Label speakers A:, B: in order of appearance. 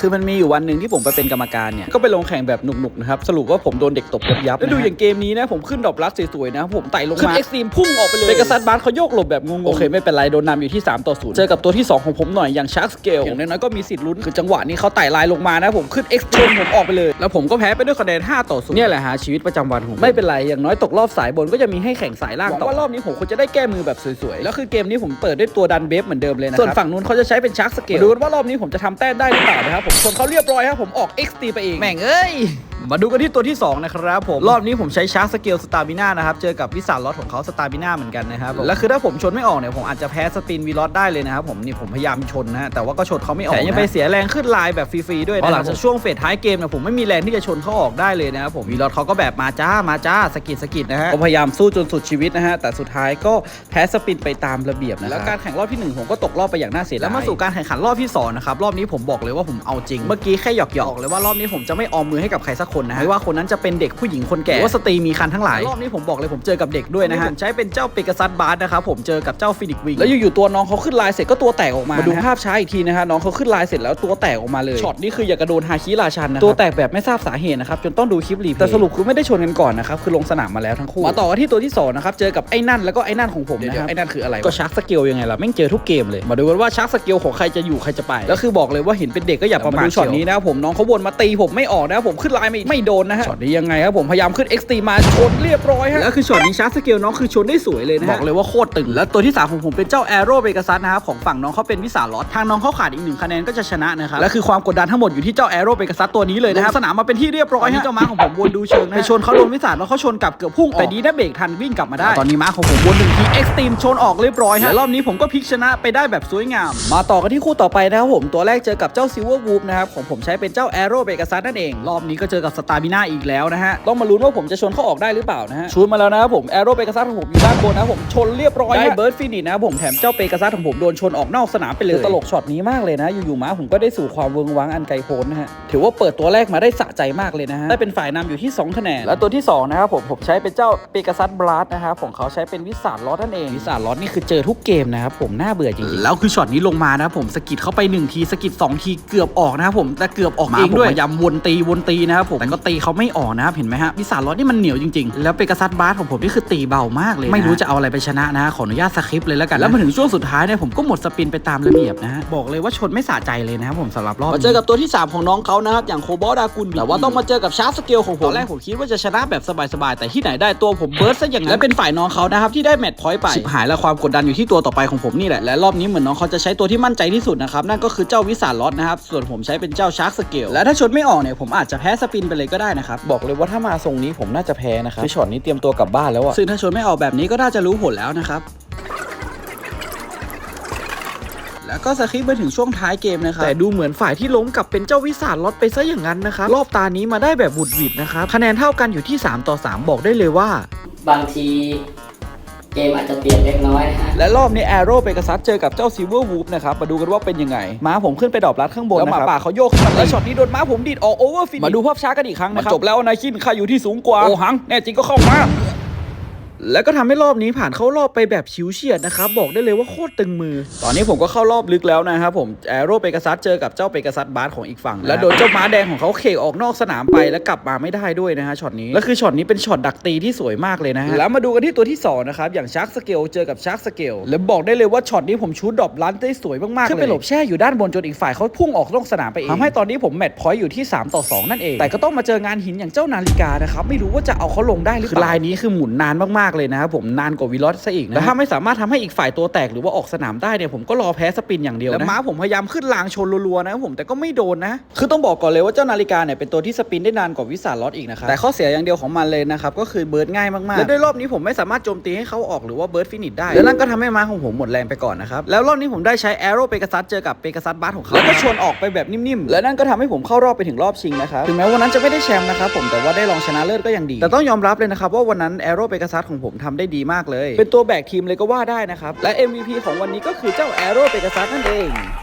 A: คือมันมีอยู่วันหนึ่งที่ผมไปเป็นกรรมการเนี่ยก็ไปลงแข่งแบบหนุกๆนะครับสรุปว่าผมโดนเด็กตบยับแล้วดูอย่างเกมนี้นะผมขึ้นดอกลัดสวยๆนะผมไต่ลงมาเอ็กซ์ตรีมพุ่งออกไปเลยเปกัสซัสบาสเขาโยกหลบแบบงงๆโอเคไม่เป็นไรโดนนำอยู่ที่3-0เจอกับตัวที่2ของผมหน่อยอย่างชาร์กสเกลอย่างน้อยๆก็มีสิทธิ์ลุ้นคือจังหวะนี้เขาไต่ลายลงมานะผมขึ้นเอ็กซ์ตรีมผมออกไปเลยแล้วผมก็แพ้ไปด้วยคะแนน5-0เนี่ยแหละฮะชีวิตประจำวันผมไม่เป็นไรอย่างน้อยตกรอบสายบนก็จะมีให้แข่งสายล่างต่อว่ารอบนี้ผมควรจะได้แก้มือแบบสวยๆแล้วคือเกมนี้ผมเปิดด้วยตัวดันเบฟเหมือนเดิมเลยนะส่วนฝั่งนู้นเขาจะใช้เป็นชาร์กสเกลดูกันว่ารอบนี้ผมจะทำแต้มได้หรือเปล่านะครับผมชนเขาเรียบร้อยครับผมออก XT ไปเองแม่งเอ้ยมาดูกันที่ตัวที่2นะครับผมรอบนี้ผมใช้ชาร์กสเกลสตาร์บิน่านะครับเจอกับวิสานลอตของเขาสตาร์บิน่าเหมือนกันนะครับแล้วคือถ้าผมชนไม่ออกเนี่ยผมอาจจะแพ้สปินวีลอตได้เลยนะครับผมนี่ผมพยายามชนนะแต่ว่าก็ชนเขาไม่ออกแต่ยังไปเสียแรงขึ้นลายแบบฟรีๆด้วยนะหลังจากช่วงเฟสท้ายเกมเนี่ยผมไม่มีแรงที่จะชนเขาออกได้เลยนะครับผมวีลอตเขาก็แบบมาจ้าสกิดนะฮะก็พยายามสู้จนสุดชีวิตนะฮะแต่สุดท้ายก็แพ้สปินไปตามระเบียบนะแล้วการแข่งรอบที่1ผมก็ตกรอบไปอย่างน่าเสียดายแล้วมาสู่การแข่งขันรอบที่2นะครับรอบนี้ผมบอกเลยว่าผมเอาจริงเมื่อกี้แค่หยอกเลยว่ารอบนี้ผมจะไม่ออมมือให้กับใครสักคนนะไม่ว่าคนนั้นจะเป็นเด็กผู้หญิงคนแก่หรือว่าสตรีมีคันทั้งหลายรอบนี้ผมบอกเลยผมเจอกับเด็กด้วยนะฮะผมใช้เป็นเจ้าเปกัสซัสบาสนะครับผมเจอกับเจ้าฟินิกวิงแล้วอยู่ๆตัวน้องเขาขึ้นลายเสร็จก็ตัวแตกออกมาดูภาพช้าอีกทีนะฮะน้องเขาขึ้นลายเสร็จแล้วตัวแตกออกมาเลยช็อตนี้คืออยากกระโดนฮาคิราชันนะตัวแตกแบบไม่ทราบสาเหตุนะครับจนต้องดูคลิปรีเพลย์แต่สรุปคือไม่ได้ชนกันก่อนนะครับคือลงสนามมาแล้วทั้งคู่มาต่อกันที่ตัวที่2นะครับเจอกับไอ้นั่นแล้วก็ไอ้นั่นของผมนะครับไอ้นั่นคืออะไรก็ชาร์กสเกลยังไงล่ะแม่งเจอทุกเกมเลยมาดูกันว่าชาร์กสเกลของใครจะอยู่ใครจะไปแล้วคือบอกเลยว่าเห็นเป็นเด็กก็อย่าประมาทช็อตนี้นะผมน้องเขาวนมาตีผมไม่ออกนะผมขึ้นลายไม่โดนนะฮะช็อตนี้ยังไงครับผมพยายามขึ้น XT มาชนเรียบร้อยฮะแล้วคือช็อตนี้ชาร์กสเกลน้องคือชนได้สวยเลยนะบอกเลยว่าโคตรตึงแล้วตัวที่3ของผมเป็นเจ้าแอโร่เปกัสซัสนะครับของฝั่งน้องเขาเป็นวิสาลอตทางน้องเขาขาดอีก1คะแนนก็จะชนะนะครับและคือความกดดันทั้งหมดอยู่ที่เจ้าแอโร่เปกัสซัสตัวนี้เลยนะครับสนามมาเป็นที่เรียบร้อยฮะเจ้าม้าของผมวนดูเชิงนะไปชนเขาโดนวิสาลแล้วเขาชนกลับเกือบพุ่งแต่ดีนะเบรกทันวิ่งกลับมาได้ตอนนี้ม้าของผมวน1ทีเอ็กซ์ตรีมชนออกเรียบร้อยฮะรอบนี้ผมก็พลิกชนะไปได้แบบสวยงามมาต่อกันที่คู่ต่อไปนะครับผมตัวแรกเจอกับเจ้าซิลเวอร์วูฟนะครับของผมใช้เป็นเจ้าแอโร่เปกัสซัสนั่นเองรอบนี้ก็เจอกับสตาร์บิน่าอีกแล้วนะฮะต้องมาลุ้นว่าผมจะชนเขาออกได้หรือเปล่านะฮะชูดมาแล้วนะครับผมแอโร่เปกัสซัสของผมอยู่ด้านบนนะผมชนเรียบร้อยได้เบิร์ดฟินิชนะผมแถมเจ้าเปกัสซัสของผมโดนชนออกนอกสนามไปเลยตลกช็อตนี้มากเลยนะอยู่ๆม้าผมก็ได้สู่ความเวิงว้างอันไกลโพ้นนะฮะถือว่าเปิดตัวแรกมาได้สะใจมากเลยนะฮะได้เป็นฝ่ายนำอยู่ที่2คะแนนและตัวที่2นะครับผมใช้เป็นเจ้าเปกัสซัสบลัสนะครับของเขาใช้เป็นวิสาลอตนั่นเองวิสาลอตนี่คือเจอทุกเกมนะครับผมน่าเบื่อจริงๆแล้วคือช็อตนี้ลงมานะผมสกิดเข้าไป1ทีสกิด2ทีเกือบออกนะครับผมแต่เกือบออกเองด้วยพยายามวนตีนะครับผมแต่ก็ตีเขาไม่ออกนะครับเห็นไหมฮะวิสาลอตนี่มันเหนียวจริงๆแล้วเปกัสซัสบลัสของผมนี่คือตีเบามากเลยไม่รู้จะเอาอะไรไปชนะนะขออนุญาตสคริปต์เลยแล้วกันแล้วมาถึงช่วงสุดท้ายเนี่ยผมก็หมดสปินไปตามระเบียบนะฮะบอกเลยว่าชนไม่สะใจเลยนะครับผมสำหรับรอบมาเจอกับตัวที่3ของน้องเขานะครับอย่างโคบอลดากุลแต่ว่าต้องมาเจอกับชาร์กสเกลของผมตอนแรกผมคิดว่าจะชนะแบบสบายๆแต่ที่ไหนได้ตัวผมเบิร์สซะอย่างนั้นและเป็นฝ่ายน้องเขานะครับที่ได้แมตช์พอยต์ไปชิบหายแล้วความกดดันอยู่ที่ตัวต่อไปของผมนี่แหละและรอบนี้เหมือนน้องเขาจะใช้ตัวที่มั่นใจที่สุดนะครับนั่นก็คือเจ้าวิสาลอตนะครับส่วนผมใช้เป็นเจ้าชาร์กสเกลและถ้าชนไม่ออกเนี่ยผมอาจจะแพ้สปินไปเลยก็ได้นะครับบอกเลยว่าถ้ามาทรงนี้ผมน่าจะแพ้นะครับคือช็อตนี้เตรียมตัวกลับบ้านแล้วอะซึ่งถ้าชนไม่ออกแบบนี้ก็น่าจะรู้ผลแล้วนะครับแล้วก็สคริปต์มาถึงช่วงท้ายเกมนะครับแต่ดูเหมือนฝ่ายที่ล้มกลับเป็นเจ้าวิสาลอตไปซะอย่างนั้นนะครับรอบตานี้มาได้แบบบุดหวิดนะครับคะแนนเท่ากันอยู่ที่3-3บอกได้เลยว่า
B: บางทีเกมอาจจะเปลี่ยนเล็กน้อยนะฮะ
A: และรอบนี้แอโร่เปกัสซัสเจอกับเจ้าซิลเวอร์วูฟนะครับมาดูกันว่าเป็นยังไงม้าผมขึ้นไปดรอปลัดข้างบนแล้วหมาป่าเขาโยกขึ้นมาแล้วช็อตนี้โดนม้าผมดีดออกโอเวอร์ฟินมาดูภาพช้ากันอีกครั้งนะครับจบแล้วนายคินข้าอยู่ที่สูงกว่าโอหังแน่จริงก็เข้ามาแล้วก็ทำให้รอบนี้ผ่านเข้ารอบไปแบบชิวเฉียดนะครับบอกได้เลยว่าโคตรตึงมือตอนนี้ผมก็เข้ารอบลึกแล้วนะครับผมแอโร่เปกัสซัสเจอกับเจ้าเปกัสซัสบาสของอีกฝั่งแล้วโดนเจ้าม้าแดงของเขาเขกออกนอกสนามไปแล้วกลับมาไม่ได้ด้วยนะฮะช็อตนี้แล้วคือช็อตนี้เป็นช็อตดักตีที่สวยมากเลยนะฮะแล้วมาดูกันที่ตัวที่2นะครับอย่างชาร์กสเกลเจอกับชาร์กสเกลแล้วบอกได้เลยว่าช็อตนี้ผมชูดดรอปลันได้สวยมากๆเลยขึ้นไปหลบแช่อยู่ด้านบนจนอีกฝ่ายเขาพุ่งออกนอกสนามไปเองทำให้ตอนนี้ผมแมตช์พอยต์อยู่ที่3-2นั่นเองแต่ก็ต้องมาเจองานหินอย่างเจ้านาฬิกานะครับไม่รู้ว่าจะเอาเขาลงได้หรือเปล่าคือลายนี้คือหมุนนานมากๆเลยนะครับผมนานกว่าวิลอสซะอีกนะแต่ถ้าไม่สามารถทำให้อีกฝ่ายตัวแตกหรือว่าออกสนามได้เนี่ยผมก็รอแพ้สปินอย่างเดียวนะแล้วม้าผมพยายามขึ้นรางชนรัวๆนะผมแต่ก็ไม่โดนนะคือต้องบอกก่อนเลยว่าเจ้านาฬิกาเนี่ยเป็นตัวที่สปินได้นานกว่าวิสาลอตอีกนะครับแต่ข้อเสียอย่างเดียวของมันเลยนะครับก็คือเบิร์ดง่ายมากๆและด้วยรอบนี้ผมไม่สามารถโจมตีให้เขาออกหรือว่าเบิร์ดฟินิชได้แล้วนั่นก็ทำให้ม้าของผมหมดแรงไปก่อนนะครับแล้วรอบนี้ผมได้ใช้แอโร่เปกัสซัสเจอกับเปกัสซัสบาสของเขาแล้วก็ชนออกไปแบบนิ่มๆและนั่นก็ทำให้ผมเข้ารอบไปถึงรอบชิงนะครับถึงแม้วันนั้นจะไม่ได้แชมป์นะครับผมแต่ว่าได้รองชนะเลิศก็ยังดีแต่ต้องยอมรับเลยนะครับว่าวันนั้นแอโร่เปกัสซัสของผมทำได้ดีมากเลยเป็นตัวแบกทีมเลยก็ว่าได้นะครับและ MVP ของวันนี้ก็คือเจ้าแอโร่เปกัสซัสนั่นเอง